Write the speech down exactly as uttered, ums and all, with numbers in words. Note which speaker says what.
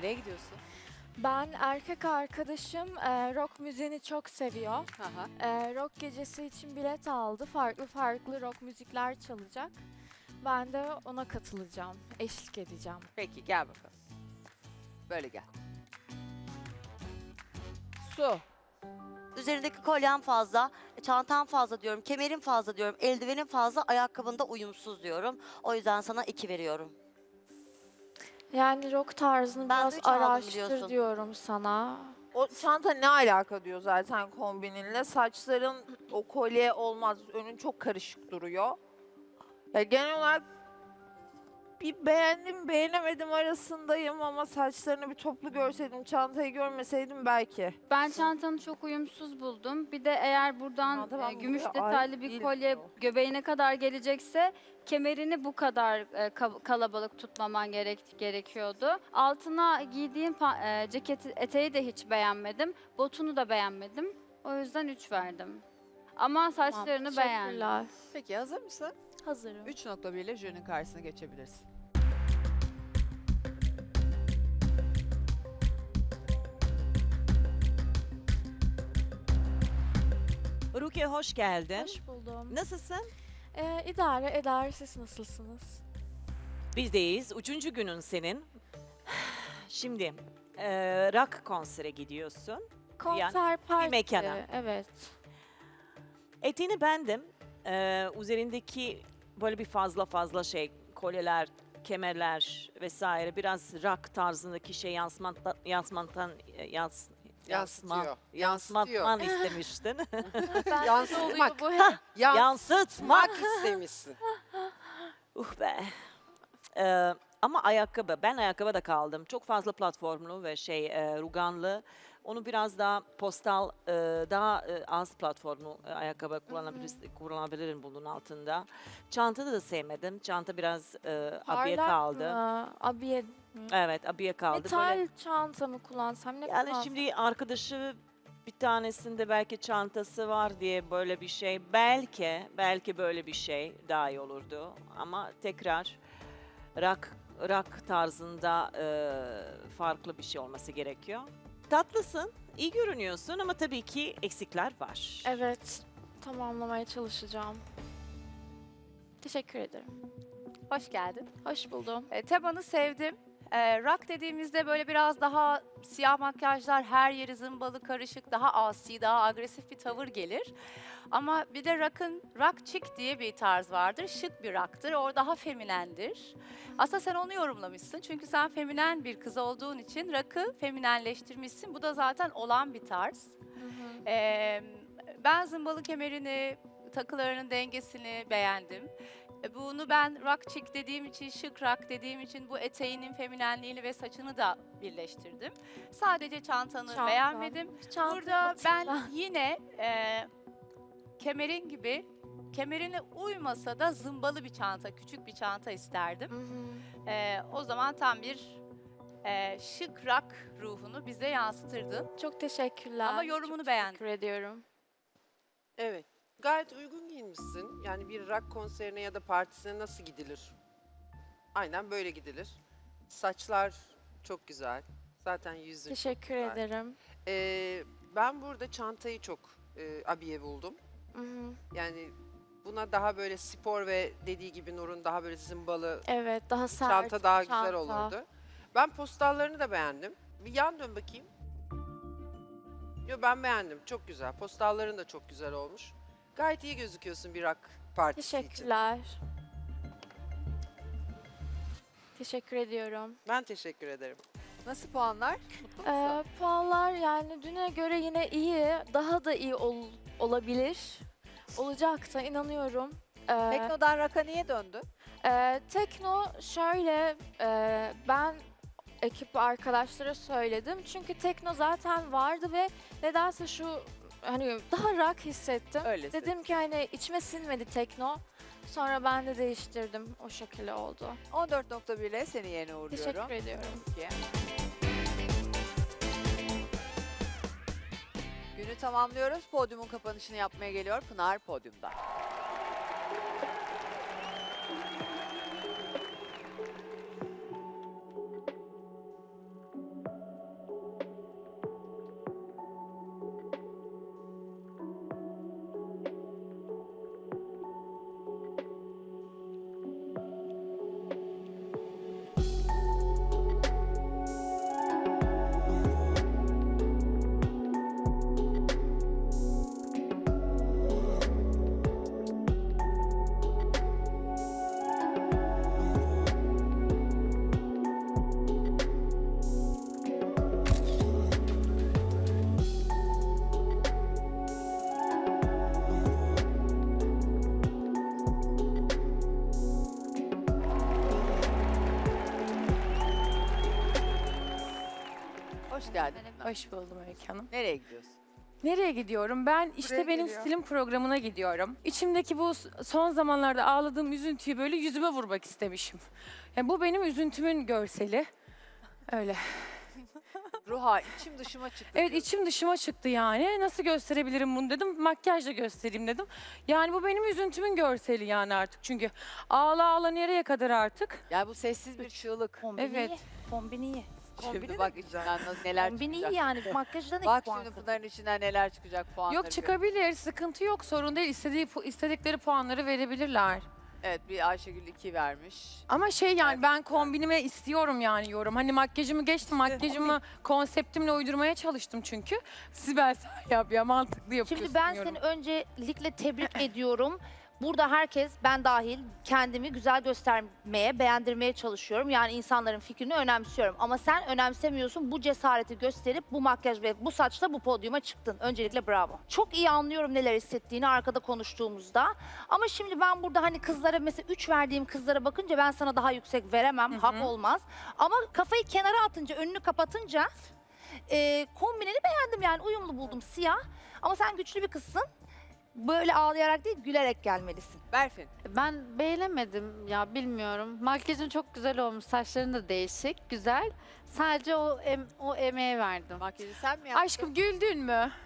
Speaker 1: Nereye gidiyorsun?
Speaker 2: Ben erkek arkadaşım e, rock müziğini çok seviyor.
Speaker 1: Aha.
Speaker 2: E, rock gecesi için bilet aldı. Farklı farklı rock müzikler çalacak. Ben de ona katılacağım. Eşlik edeceğim.
Speaker 1: Peki gel bakalım. Böyle gel. Su.
Speaker 3: Üzerindeki kolyen fazla, çantan fazla diyorum, kemerin fazla diyorum, eldivenin fazla, ayakkabında uyumsuz diyorum. O yüzden sana iki veriyorum.
Speaker 2: Yani rock tarzını
Speaker 3: Ben de
Speaker 2: biraz
Speaker 3: üç aldım
Speaker 2: araştır
Speaker 3: biliyorsun.
Speaker 2: diyorum sana.
Speaker 4: O çanta ne alaka diyor zaten kombininle. Saçların o kolye olmaz. Önün çok karışık duruyor. Ya genel olarak bir beğendim beğenemedim arasındayım ama saçlarını bir toplu görseydim, çantayı görmeseydim belki.
Speaker 5: Ben çantanı çok uyumsuz buldum. Bir de eğer buradan
Speaker 4: Çanta
Speaker 5: e,
Speaker 4: ben
Speaker 5: gümüş
Speaker 4: buraya
Speaker 5: detaylı
Speaker 4: ait
Speaker 5: bir
Speaker 4: değil
Speaker 5: kolye
Speaker 4: diyor.
Speaker 5: göbeğine kadar gelecekse kemerini bu kadar e, ka- kalabalık tutmaman gerek gerekiyordu. Altına giydiğim pa- e, ceket eteği de hiç beğenmedim. Botunu da beğenmedim. O yüzden üç verdim. Ama saçlarını beğendim.
Speaker 2: Teşekkürler.
Speaker 1: Peki hazır mısın?
Speaker 2: Hazırım.
Speaker 1: üç nokta bir ile jürinin karşısına geçebilirsin.
Speaker 6: Rukiye hoş geldin.
Speaker 2: Hoş buldum.
Speaker 6: Nasılsın?
Speaker 2: E, idare eder. Siz nasılsınız?
Speaker 6: Bizdeyiz. Üçüncü günün senin. Şimdi e, rock konsere gidiyorsun.
Speaker 2: Konser partisi.
Speaker 6: mekana.
Speaker 2: Evet.
Speaker 6: Eteğini beğendim. E, üzerindeki böyle bir fazla fazla şey, kolyeler, kemerler vesaire biraz rock tarzındaki şey yansımantan, yansımantan yans, yansıman,
Speaker 7: Yansıtıyor.
Speaker 6: yansıtman istemiştin.
Speaker 2: Ben
Speaker 7: Yansıtmak.
Speaker 2: bu
Speaker 7: Yans-
Speaker 6: Yansıtmak.
Speaker 7: istemişsin.
Speaker 6: Uh be. Ee, ama ayakkabı, ben ayakkabıda kaldım. Çok fazla platformlu ve şey e, ruganlı. Onu biraz daha postal, e, daha e, az platformlu e, ayakkabı kullanabilir, kullanabilirim bunun altında. Çantada da sevmedim. Çanta biraz e, abiye
Speaker 2: parlak
Speaker 6: kaldı.
Speaker 2: mı? Abiye mi?
Speaker 6: Evet, abiye kaldı.
Speaker 2: Metal
Speaker 6: Böyle,
Speaker 2: çanta mı kullansam ne
Speaker 6: yani
Speaker 2: kullansam?
Speaker 6: şimdi arkadaşı bir tanesinde belki çantası var diye böyle bir şey. Belki, belki böyle bir şey daha iyi olurdu. Ama tekrar rock, rock tarzında e, farklı bir şey olması gerekiyor. Tatlısın, iyi görünüyorsun ama tabii ki eksikler var.
Speaker 2: Evet, tamamlamaya çalışacağım. Teşekkür ederim.
Speaker 8: Hoş geldin.
Speaker 2: Hoş buldum.
Speaker 8: E, temanı sevdim. E, rock dediğimizde böyle biraz daha siyah makyajlar, her yeri zımbalı, karışık, daha asi, daha agresif bir tavır gelir. Ama bir de rock'ın, rock chic diye bir tarz vardır. Şık bir rock'tır. O daha feminendir. Aslında sen onu yorumlamışsın. Çünkü sen feminen bir kız olduğun için rock'ı feminenleştirmişsin. Bu da zaten olan bir tarz. E, ben zımbalı kemerini, takılarının dengesini beğendim. E, Bunu ben rock chic dediğim için, şık rock dediğim için bu eteğinin feminenliğini ve saçını da birleştirdim. Sadece çantanı
Speaker 2: Çanta.
Speaker 8: beğenmedim.
Speaker 2: Çanta
Speaker 8: Burada ben
Speaker 2: atacağım.
Speaker 8: yine e, kemerin gibi, kemerine uymasa da zımbalı bir çanta, küçük bir çanta isterdim.
Speaker 2: Hı hı.
Speaker 8: E, o zaman tam bir e, şık rock ruhunu bize yansıtırdın.
Speaker 2: Çok teşekkürler.
Speaker 8: Ama yorumunu
Speaker 2: Çok
Speaker 8: beğendim.
Speaker 2: teşekkür ediyorum.
Speaker 7: Evet. Gayet uygun giyinmişsin. Yani bir rock konserine ya da partisine nasıl gidilir? Aynen böyle gidilir. Saçlar çok güzel. Zaten yüzün çok
Speaker 2: Teşekkür
Speaker 7: güzel.
Speaker 2: ederim.
Speaker 7: Ee, ben burada çantayı çok e, abiye buldum.
Speaker 2: Hı hı.
Speaker 7: Yani buna daha böyle spor ve dediği gibi Nur'un daha böyle zımbalı
Speaker 2: Evet, daha sert.
Speaker 7: çanta daha
Speaker 2: çanta.
Speaker 7: güzel olurdu. Ben postallarını da beğendim. Bir yan dön bakayım. Yo ben beğendim. Çok güzel. Postalların da çok güzel olmuş. Gayet iyi gözüküyorsun bir rock partisi için.
Speaker 2: Teşekkürler. Teşekkür ediyorum.
Speaker 7: Ben teşekkür ederim.
Speaker 1: Nasıl puanlar? Mutlu musun?
Speaker 2: Ee, puanlar yani düne göre yine iyi. Daha da iyi ol- olabilir. Olacak da inanıyorum. Ee,
Speaker 1: Tekno'dan rock'a niye döndü?
Speaker 2: Ee, tekno şöyle e, ben ekip arkadaşlara söyledim çünkü tekno zaten vardı ve nedense şu hani daha rock hissettim.
Speaker 1: Öyle
Speaker 2: Dedim ki hani içime sinmedi tekno. Sonra ben de değiştirdim. O şekilde oldu.
Speaker 1: on dört nokta bir ile seni yerine uğurluyorum.
Speaker 2: Teşekkür ediyorum.
Speaker 1: Peki. Günü tamamlıyoruz. Podyumun kapanışını yapmaya geliyor Pınar podyumda. Hoş geldin.
Speaker 9: Hoş buldum Öykü Hanım.
Speaker 1: Nereye gidiyorsun?
Speaker 9: Nereye gidiyorum? Ben işte
Speaker 4: Buraya
Speaker 9: benim
Speaker 4: geliyor.
Speaker 9: stilim programına gidiyorum. İçimdeki bu s- son zamanlarda ağladığım üzüntüyü böyle yüzüme vurmak istemişim. Yani bu benim üzüntümün görseli. Öyle.
Speaker 1: Ruha içim dışıma çıktı.
Speaker 9: Evet
Speaker 1: diyorsun.
Speaker 9: içim dışıma çıktı yani. Nasıl gösterebilirim bunu dedim. Makyajla göstereyim dedim. Yani bu benim üzüntümün görseli yani artık. Çünkü ağla ağla nereye kadar artık?
Speaker 1: Yani bu sessiz bir çığlık.
Speaker 8: Kombini
Speaker 9: Evet.
Speaker 8: iyi. Kombini iyi.
Speaker 1: Şimdi bak içinden nasıl- neler
Speaker 8: Kombini
Speaker 1: çıkacak.
Speaker 8: iyi yani. Makyajdan iki
Speaker 1: Bak
Speaker 8: puan
Speaker 1: şimdi
Speaker 8: kırdım.
Speaker 1: bunların içinden neler çıkacak puanları.
Speaker 9: Yok
Speaker 1: gör.
Speaker 9: çıkabilir. Sıkıntı yok. Sorun değil. İstediği, pu- istedikleri puanları verebilirler.
Speaker 1: Evet bir Ayşegül iki vermiş.
Speaker 9: Ama şey yani
Speaker 1: Evet.
Speaker 9: ben kombinime istiyorum yani yorum. Hani makyajımı geçtim. Makyajımı konseptimle uydurmaya çalıştım çünkü. Sibel sen yap ya mantıklı yapıyorsun
Speaker 10: Şimdi ben
Speaker 9: diyorum.
Speaker 10: seni öncelikle tebrik ediyorum. Burada herkes, ben dahil, kendimi güzel göstermeye, beğendirmeye çalışıyorum. Yani insanların fikrini önemsiyorum. Ama sen önemsemiyorsun, bu cesareti gösterip bu makyaj ve bu saçla bu podyuma çıktın. Öncelikle bravo. Çok iyi anlıyorum neler hissettiğini arkada konuştuğumuzda. Ama şimdi ben burada hani kızlara mesela üç verdiğim kızlara bakınca ben sana daha yüksek veremem,
Speaker 9: Hı hı.
Speaker 10: hak olmaz. Ama kafayı kenara atınca, önünü kapatınca e, kombineni beğendim yani uyumlu buldum siyah. Ama sen güçlü bir kızsın. Böyle ağlayarak değil, gülerek gelmelisin.
Speaker 1: Berfin.
Speaker 5: Ben beğenemedim ya bilmiyorum. Makyajın çok güzel olmuş, saçların da değişik, güzel. Sadece o em, o emeğe verdim.
Speaker 1: Makyajı sen mi yaptın?
Speaker 9: Aşkım güldün mü?